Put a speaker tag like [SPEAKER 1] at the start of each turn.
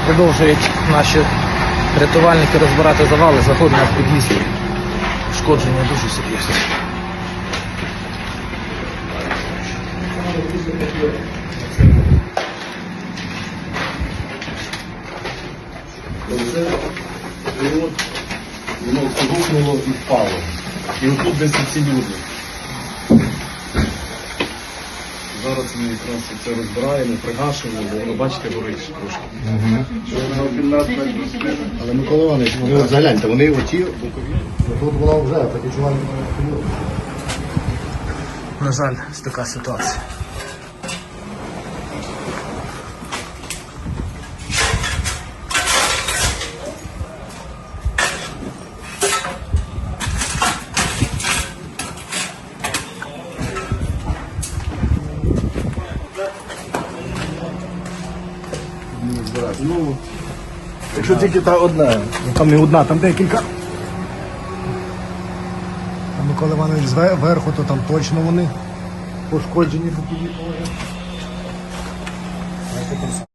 [SPEAKER 1] Продовжують наші рятувальники розбирати завали, заходимо в під'їзд. Ушкодження дуже серйозні.
[SPEAKER 2] Воно гукнуло і впало. І отут десь ці люди. Зараз ми якраз це розбираємо, пригашуємо, бо воно, бачите, горить трошки. Але Микола Іванович, вони от загляньте, вони оті бокові. Тут була вже такі чувальні.
[SPEAKER 1] На жаль, ось така ситуація.
[SPEAKER 2] Ну, якщо тільки та одна, там не одна, там декілька.
[SPEAKER 3] А Микола Іванович зверху, то там точно вони пошкоджені.